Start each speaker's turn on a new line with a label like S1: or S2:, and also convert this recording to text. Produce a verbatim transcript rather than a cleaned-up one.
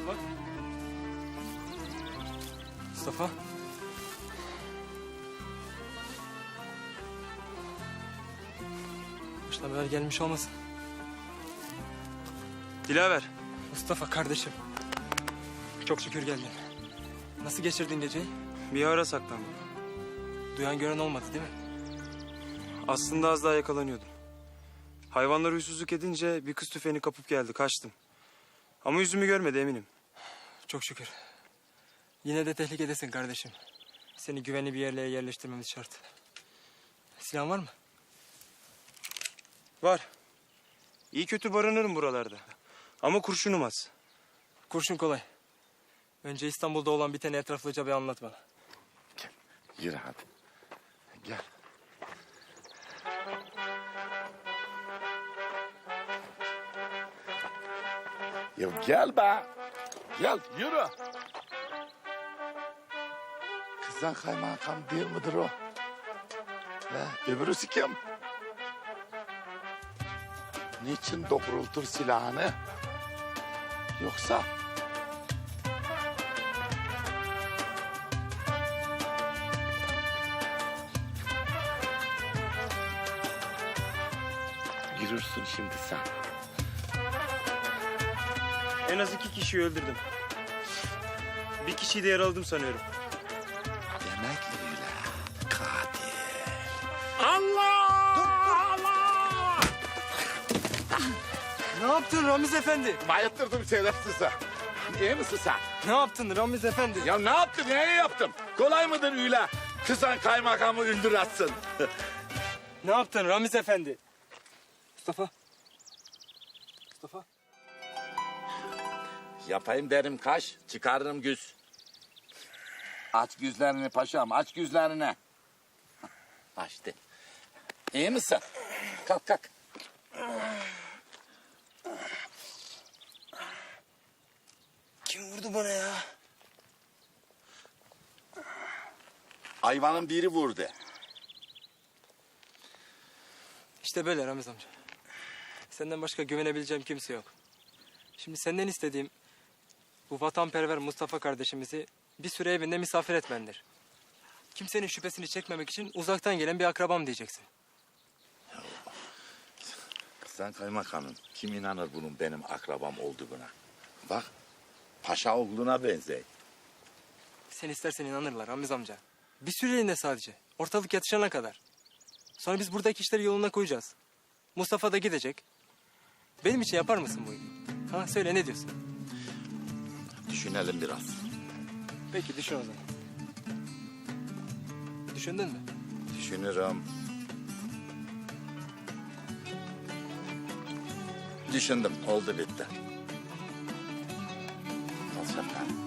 S1: Bak. Mustafa. Başına haber gelmiş olmasın.
S2: Dilaver.
S1: Mustafa kardeşim. Çok şükür geldin. Nasıl geçirdin geceyi?
S2: Bir ara saklandım.
S1: Duyan gören olmadı değil mi?
S2: Aslında az daha yakalanıyordum. Hayvanlar huysuzluk edince bir kız tüfeğini kapıp geldi. Kaçtım. Ama yüzümü görmedi eminim.
S1: Çok şükür. Yine de tehlikedesin kardeşim. Seni güvenli bir yerlere yerleştirmemiz şart. Silahın var mı?
S2: Var. İyi kötü barınırım buralarda. Ama kurşunum az.
S1: Kurşun kolay. Önce İstanbul'da olan biteni etraflıca bir anlat bana.
S3: Gel, yürü hadi. Gel. Ya gel be. Gel, yürü. Kızdan kaymakam değil midir o? He, öbürüsü kim? Niçin doğrultur silahını? Yoksa... Girersin şimdi sen.
S2: En az iki kişiyi öldürdüm. Bir kişiyi de yaraladım sanıyorum.
S3: Demek öyle. Katil.
S1: Ne yaptın Ramiz Efendi?
S3: Bayıttırdım şerefsize. İyi misin sen?
S1: Ne yaptın Ramiz Efendi?
S3: Ya ne yaptım, neye yaptım? Kolay mıdır öyle? Kızan kaymakamı öldüratsın.
S1: Ne yaptın Ramiz Efendi? Mustafa. Mustafa.
S3: Yapayım derim kaş, çıkarırım güz. Aç güzlerini paşam, aç güzlerini. Açtı. İyi misin? Kalk kalk.
S1: Kim vurdu bana ya?
S3: Hayvanın biri vurdu.
S1: İşte böyle Ramiz amca. Senden başka güvenebileceğim kimse yok. Şimdi senden istediğim bu vatanperver Mustafa kardeşimizi bir süre evinde misafir etmendir. Kimsenin şüphesini çekmemek için uzaktan gelen bir akrabam diyeceksin.
S3: Sen kaymakamım, kim inanır bunun benim akrabam olduğuna? Bak, paşa oğluna benzer.
S1: Sen istersen inanırlar Ramiz amca. Bir süreliğine sadece. Ortalık yatışana kadar. Sonra biz buradaki işleri yoluna koyacağız. Mustafa da gidecek. Benim için yapar mısın bu iyiliği? Ha söyle ne diyorsun?
S3: Düşünelim biraz.
S1: Peki düşün o zaman. Düşündün mü?
S3: Düşünürüm. Düşündüm, oldu bitti. Al şapkanı.